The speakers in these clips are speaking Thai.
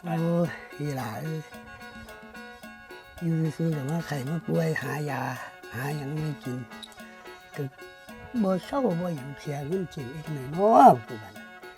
โอ้ยอีหล่าอยู่ซื้อแต่ว่าไข่มาป่วยหายาหาอย่างไม่กินก็บ่เศร้าบ่อย่างเสียเงินกินอีกหน่อยเนาะกูบัด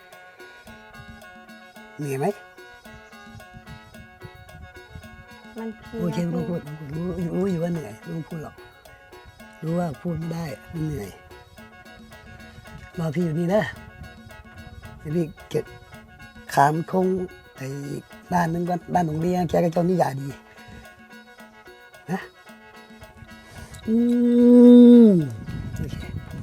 เหนื่อยไหมมันเพลีโอเคไม่ต้องพูดรู้อยู่ว่าเหนื่อยไม่ต้องพูดหรอกรู้ว่าพูดไม่ได้มันเหนื่อยรอพี่อยู่นี่นะเดี๋ยวพี่เก็บขามคงไปบ้านนึงก่อนบ้านหลวงเลี้ยงแกก็เจ้านิยาดีนะโอเค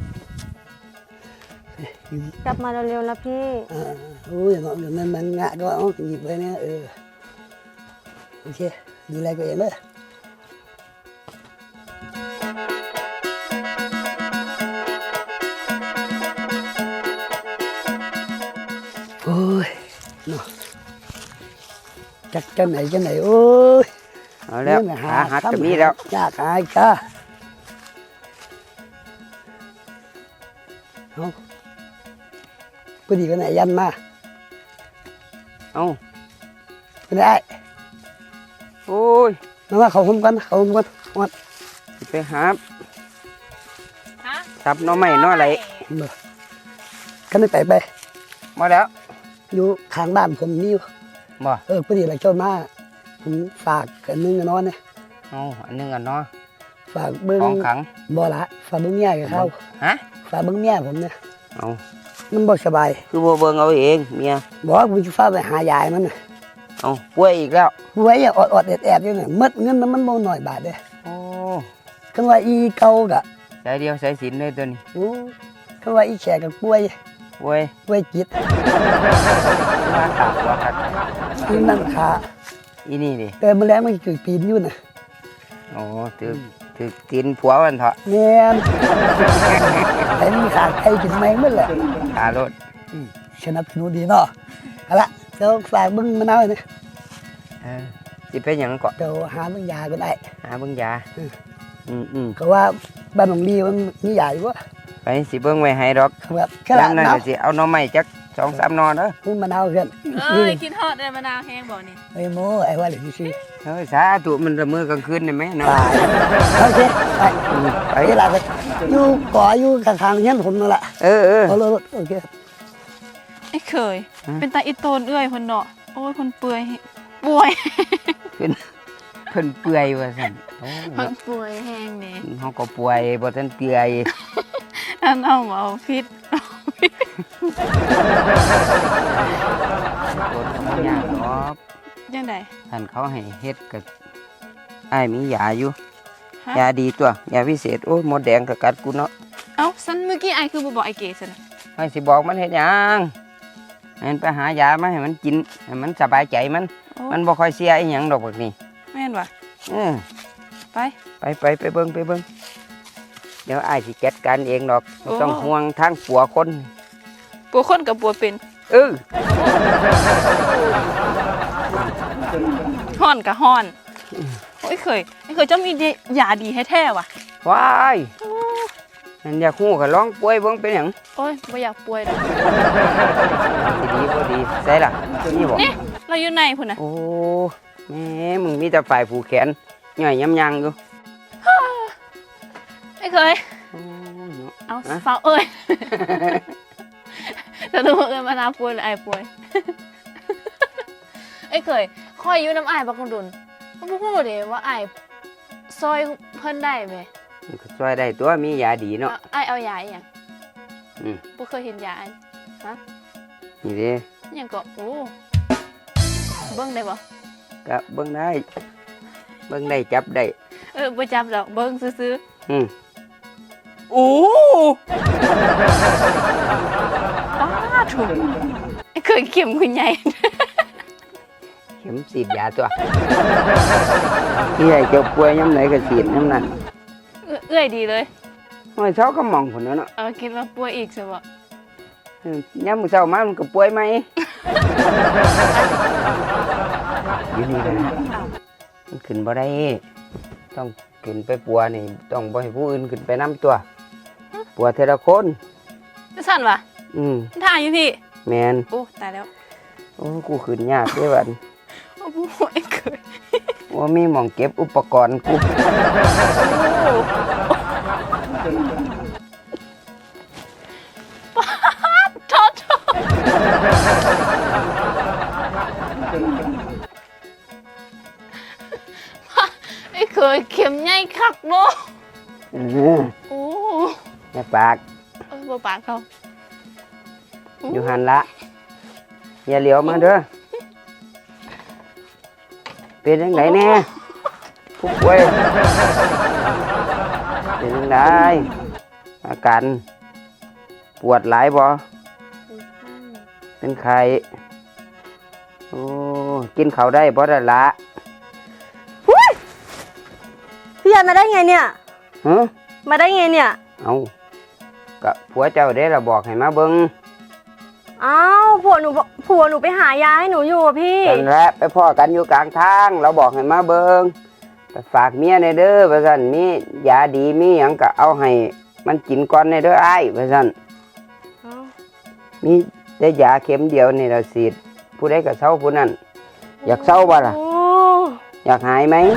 อยู่นี่กลับมาเร็วๆนะพี่โอ้ยอย่างนั้นมันงะก็เอาหยิบไปเนี่ยโอเคดูแลตัวเองเลยโอ้ยเนาะจักไหนโอ้ยเอาแล้วหาหัดจะมีแล้วยากหายค่ะเอาพอดีกันไหนยันมาเอาไม่ได้โอ้ยมาเขาคุ้มกันวัดสิไปหาซับหน้อไม้หน้ออะไรเมื่อกันได้ไปมาแล้วอยู่ข้างบ้านผมนี่บ่พอดีอะไรเจ้ามาผมฝากกันนึงกันนอนเนี่ยเอาอันนึงกันเนาะฝากเบิ้งของขังบ่ละฝากเบิ้งเมียกับเขาฮะฝากเบิ้งเมียผมเนี่ยเอามันบ่สบายคือบ่เบิ่งเอาเองเมียบอกว่าผมจะฝากไปหายายมันน่ะเอาป่วยอีกแล้วไว้อย่าอดแอบอยู่เนี่ยมัดเงินมันบ่หน่อยบาทเด้โอ้คันว่าอีเก่ากะสายเดียวสายสินเลยตัวนี้โอ้คันว่าอีแขกกับป่วยป่วยจิตมาขาดตัวขาดอีนั่นขาอีนี่ดิแต่มื้อแลงมันคือปีนอยู่น่ะโอ้ถือกินผัวมันเถอะแม่นแต่มีขาดใครกินแมงหมดแหละขารถสนับสนุนดีเนาะเอาละเดี๋ยวฝากเบิ่งมะนาวนี่สิไปหยังเกาะเดี๋ยวหาเบิ่งยาก็ได้หาเบิ่งยาก็ว่าบ้านหลวงลีมันมียาอยู่บ่ไปสิเบิ่งไว้ให้ดอกครับแค่ยาละมนั้นน้ก็สิเอาหน้อไม้จัก2-3นอเด้อำพุ่มมะนาวเพื่อนคิดฮอดได้มะนาวแห้งบ่นี่ไอ้โมไอ้ว่าเหลือซื่อเฮ้ยสาธุมันละมือกลางคืนได้ไหมเนาะตายโอเคไปเวลาไปอยู่ก่ออยู่ข้างๆเฮียนผมนั่นแหละ เอาเลยโอเคไอ้เคย เป็นตาอิโตนเอื้อยคนเนาะโอ้ยคนเปื่อยป่วยเพิ่นเปื่อยว่าซั่นโอ้คนป่วยแห้งนี่เฮาก็ป่วยบ่ทันเปื่อยอันเอามาเอาพิษโดนบ่ยากดอกยังไงท่านเขาให้เฮ็ดก็อ้ายมียาอยู่ฮะยาดีตัวยาพิเศษโอ้ยมดแดงก็กัดกูเนาะเอ้าซันเมื่อกี้ไอคือบ่บอกไอเก๋ซะนะให้สิบอกมันเฮ็ดหยังให้มันไปหายามาให้มันกินให้มันสบายใจมันโอ้มันบ่ค่อยเสียอีหยังดอกบักนี้แม่นว่ะเออไปไปเบิ่งเดี๋ยวอ้ายสิจัดการเองดอกบ่ต้องห่วงทางปัวคนปัวคนกับปัวเป็นเออฮ้อนกับฮ้อนโอ้ยเคยไอเคยเจ้ามียาดีแท้ๆว่ะว้ายนั่นอยากฮู้ก็ลองป่วยเบิ่งเป็นหยังโอ้ยบ่อยากป่วยดอกสิดีบ่ดีใส่ล่ะนี่บ่นี่เราอยู่ในพุ่นน่ะโอ้แม่มึงมีแต่ฝ่ายผูกแขนย่อยยำยังอยู่ไอเคยโอ้ยเนาะเอาฮะฟังเอ้ยจะรู้ว่าเอ้ยมานาวป่วยหรือไอป่วย ไอ้เคยคอยอยู่น้ำไอ้ายบักคนดุนก็พูดเลยว่าไอ้ายซอยเพิ่นได้ไหมมันก็ช่วยได้ตัวมียาดีเนาะไอ้ายเอายาอหย่างอืมบ่เคยเห็นยาอันนี่เด้อหย่างก็โอ้เบิ่งได้บ่ก็เบิ่งได้จับได้บ่จับดอกเบิ่งซื่ออืมๆโอ้ป้าถุงไอ้เคยเข็มคุณใหญ่เข็มฉีดยาตัวที่ให้เจ้าป่วยยำไหนก็ฉีดยำนั้นเอื้อยดีเลยห้อยเช้าก็มองคนนั้นเนาะคิดว่าป่วยอีกใช่บ่ยามมื้อเช้ามามันก็ป่วยไหมอยู่นี่แหละมันขึ้นบ่ได้ต้องขึ้นไปปัวนี่ต้องบ่ให้ผู้อื่นขึ้นไปนํตัวปัวเทละคนจะสั่นวะอืมถ่ายอยู่พี่แมนโอ้ตายแล้วโอ้กูขึ้นยากเด้บัดไอ้เคยว่ามีหม่องเก็บอุปกรณ์กูโทษไอ้เคยเข็มใหญ่คักเนาะอือโอ้แม่ปากบ่ปากเขาอยู่หันละอย่าเหลียวมาเด้อเป็นยังไงแน่ผู้ป่วยเป็นยังไงอาการปวดหลายบ่เป็นไข้โอ้กินข้าวได้บ่ได้ละพี่ยันมาได้ไงเนี่ยฮะมาได้ไงเนี่ยเอากะผัวเจ้าได้ละบอกให้มาเบิ่งอ้าวผัวหนูไปหายาให้หนูอยู่อะพี่นั่นแหละไปพ่อกันอยู่กลางทางเราบอกให้มาเบิ่งไปฝากเมียในเด้อว่าซั่นมียาดีมีหยังก็เอาให้มันกินก่อนในเด้ออ้ายว่าซั่นมีได้ยาเข็มเดียวนี่ละฉีดผู้ใดก็เศร้าผู้นั้นอยากเศร้าบ่ล่ะโอ้อยากหายไหม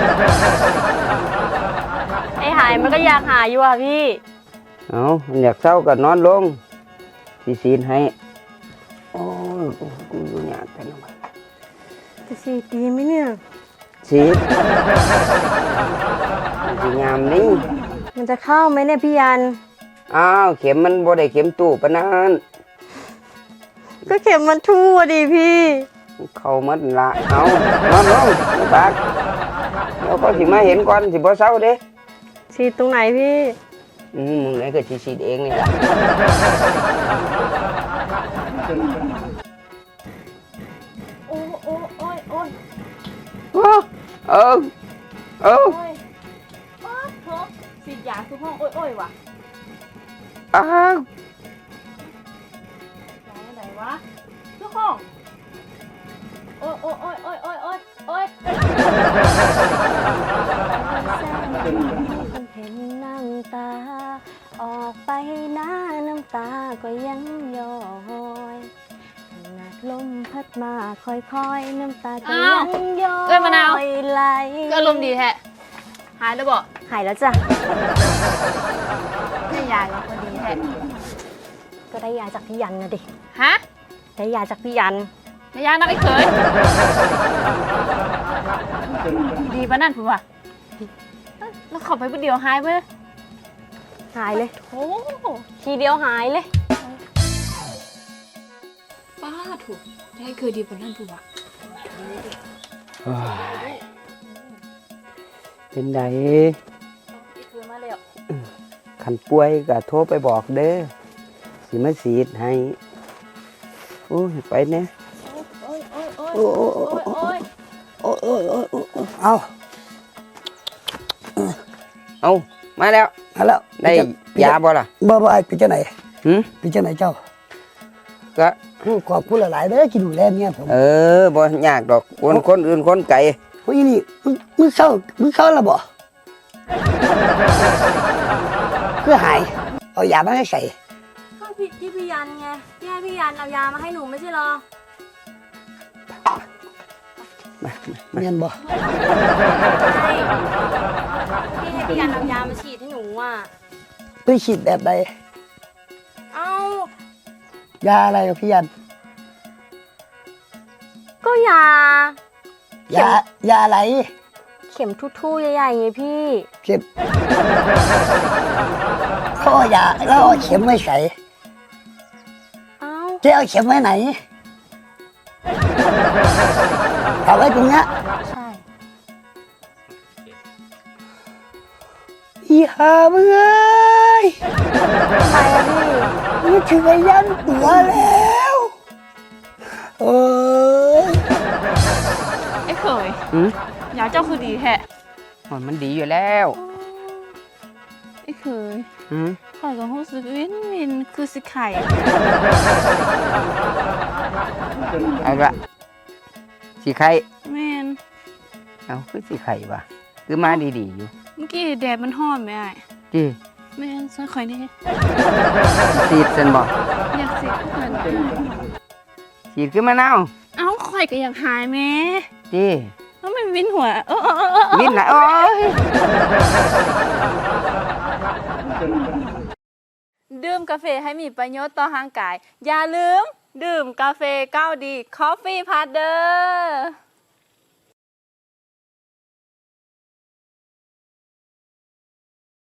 ไอหายมันก็อยากหายอยู่อะพี่เอามันอยากเศร้าก็นอนลงสิฉีดให้โอ้ยกูอยู่ยากแต่นอนจะฉีดดีไหมเนี่ยฉีดมันสิยามนี่มันจะเข้าไหมเนี่ยพี่ยันอ้าวเข็มมันบ่ได้เข็มตู้ปานนั้นก็เข็มมันทั่วดิพี่เข้าหมดละเอานอนลงไม่ปากเดี๋ยวเขาสิมาเห็นก่อนสิบ่เศร้าเด้ฉีดตรงไหนพี่มึงไหนก็สิฉีดเองนี่ล่ะโอ้โอ้โอ้ยโอ้ยเออเออโอ้ยป๊าดโถฉีดยาทุกห้องโอ้ยโอ้ยว่ะอ้าวไหนวะทุกห้องโอ้ยโอ้ยโอ้ยโอ้ยโอ้ยโอ้ยโอ้ยคนเห็นน้ำตา ออกไปหน้าน้ำตาก็ยังย้อยขนาดลมพัดมาค่อยๆน้ำตาก็ยังย้อยไหลก็อารมณ์ดีแท้หายแล้วบ่หายแล้วจ้ะให้ยาแล้วพอดีแท้ก็ได้ยาจากพี่ยันนะดิฮะได้ยาจากพี่ยันไม่ยานักไอ้เคยดีปะนั่นผมว่ะแล้วเขับไปผู้เดียวหายไปเลยหายเลยโอ้ทีเดียวหายเลยป้าถูกได้เคยดีปะนั่นผมว่ะโอ้ยเป็นไดไอ้เคยมาแล้วคันป่วยก็โทรไปบอกเด้อสิมาฉีดให้โอ้ยไปเนี่ยโอ้ยโอ้ยโอ้ยโอ้ยโอ้ยโอ้ยโอ้ยโอ้ยโอ้ยโอ้ยเอาเอามาแล้วเอาแล้วได้ยาบ่ล่ะบ่ไอ้พี่เจ้าไหนหืมพี่เจ้าไหนเจ้าก็ขอบคุณหลายๆเด้อที่ดูแลเมียผมบ่ยากดอกคนอื่นคนไกลเฮ้ยนี่มึงเศร้าแล้วบ่เพื่อหายเอายามาให้ใส่ก็ผิดที่พี่ยันไงพี่ให้พี่ยันเอายามาให้หนูไม่ใช่หรอเมียนบ่ใช่พี่ให้พี่ยันเอายามาฉีดให้หนูอ่ะไปฉีดแบบใดเอ้ายาอะไรกับพี่ยันก็ยายาอะไรเข็มทู่ๆใหญ่ๆไงพี่เข็มเขาเอายาแล้วเอาเข็มไม่ใส่เอ้าจะเอาเข็มไว้ไหนเอาไว้ตรงเนี้ยใช่อีหามึงเอ้ยทำไมอะพี่มึงถึงไอ้ยันตัวแล้วโอ้ยไอ้เคยหืมยาเจ้าคือดีแท้มันดีอยู่แล้วไอ้เคยหืมข่อยก็รู้สึกวินคือสิไข่เอาละสิไข่แม่นเอาคือสิไข่ว่ะคือมาดีๆอยู่เมื่อกี้แดดมันฮ้อนไหมอ้ายจีแม่นซอยข่อยนี่ฉีดเส้นบอกอยากสิเพิ่นฉีดขึ้นมะนาวเอ้าข่อยก็อยากหายแม่จีแล้วมันวินหัววินไหนโอ้ยดื่มกาแฟให้มีประโยชน์ต่อร่างกาย อย่าลืมดื่มกาแฟก้าวดี Coffee Partner